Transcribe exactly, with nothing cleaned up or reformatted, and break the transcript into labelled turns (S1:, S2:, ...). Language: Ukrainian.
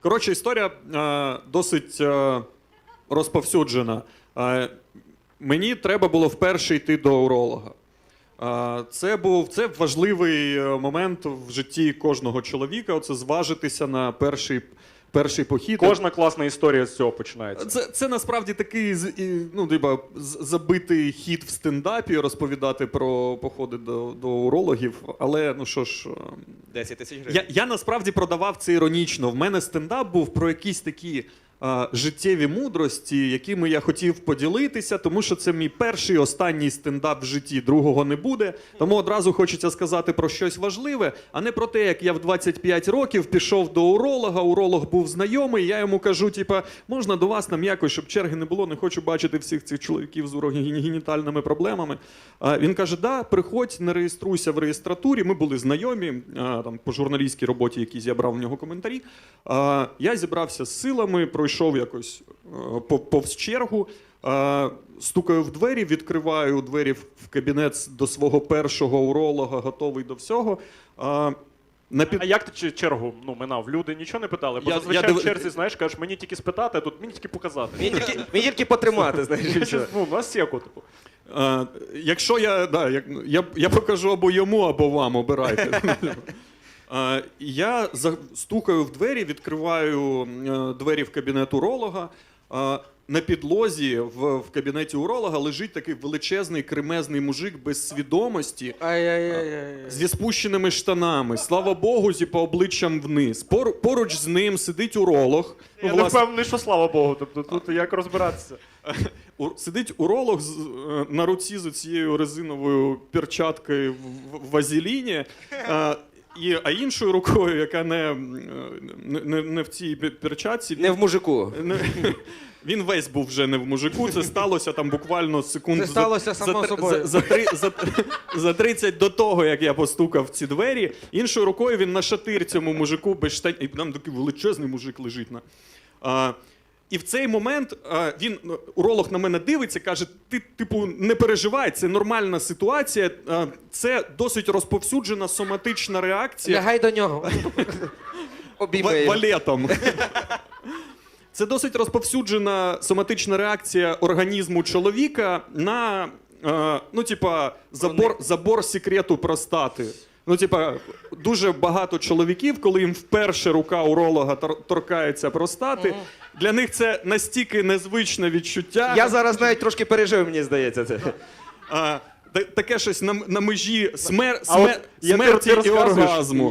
S1: Коротше, історія е, досить е, розповсюджена. Е, мені треба було вперше йти до уролога. Е, це був це важливий момент в житті кожного чоловіка. Оце зважитися на перший, перший похід.
S2: Кожна класна історія з цього починається.
S1: Це, це насправді такий ну, диба, забитий хід в стендапі розповідати про походи до, до урологів. Але ну що ж,
S3: десять тисяч гривень.
S1: Я, я насправді продавав це іронічно. В мене стендап був про якісь такі а, життєві мудрості, якими я хотів поділитися, тому що це мій перший, останній стендап в житті, другого не буде. Тому одразу хочеться сказати про щось важливе, а не про те, як я в двадцять п'ять років пішов до уролога, уролог був знайомий, я йому кажу, типа, можна до вас нам якось, щоб черги не було, не хочу бачити всіх цих чоловіків з урогенітальними проблемами. А, він каже, да, приходь, не реєструйся в реєстратурі, ми були знайомі, а, там, по журналістській роботі, якісь я брав в нього коментарі. А, я зібрався з силами, пройшов якось а, повз чергу, а, стукаю в двері, відкриваю двері в кабінет до свого першого уролога, готовий до всього. А,
S2: На під... А як ти чергу ну, минав? Люди нічого не питали? Бо
S1: Я-
S2: зазвичай
S1: я див-
S2: в черзі, знаєш, кажеш, мені тільки спитати, а тут мені тільки показати.
S3: Мені тільки, мені тільки потримати, знаєш.
S2: Ну, на сєку, типу.
S1: А, якщо я, да, як, я, я покажу або йому, або вам, обирайте. А, я за- стукаю в двері, відкриваю е, двері в кабінет уролога. А, на підлозі в, в кабінеті уролога лежить такий величезний кремезний мужик без свідомості,
S3: Ай-яй-яй.
S1: зі спущеними штанами. Слава Богу, зі по обличчям вниз. Пор, поруч з ним сидить уролог. Ну,
S2: Я не
S1: власне,
S2: впевнений, що слава Богу. Тобто тут як розбиратися?
S1: У- Сидить уролог з, е, на руці з цією резиновою перчаткою в, в, в вазеліні, е, і, а іншою рукою, яка не, не, не, не в цій пе- перчатці,
S3: Не в мужику.
S1: не- він весь був вже не в мужику. Це сталося там буквально секунд
S3: Це сталося
S1: за,
S3: само
S1: за,
S3: собою.
S1: За, за, три, за, за тридцять до того, як я постукав в ці двері. Іншою рукою він на шатир цьому мужику без штань. І там такий величезний мужик лежить на. А, і в цей момент а, він, ну, уролог на мене дивиться, каже, ти, типу, не переживай, це нормальна ситуація, а, це досить розповсюджена соматична реакція.
S3: Лягай до нього.
S1: Ва-
S3: Обійми.
S1: валетом. Це досить розповсюджена соматична реакція організму чоловіка на, е, ну, типа, забор, забор секрету простати. Ну, типа, дуже багато чоловіків, коли їм вперше рука уролога тор- торкається простати, для них це настільки незвичне відчуття.
S3: Я зараз навіть трошки пережив, мені здається. Це.
S1: А, та- таке щось на, на межі смер,
S2: А от
S1: смер,
S2: я- ти-
S1: смерті
S2: ти
S1: і
S2: розказуєш,
S1: оргазму.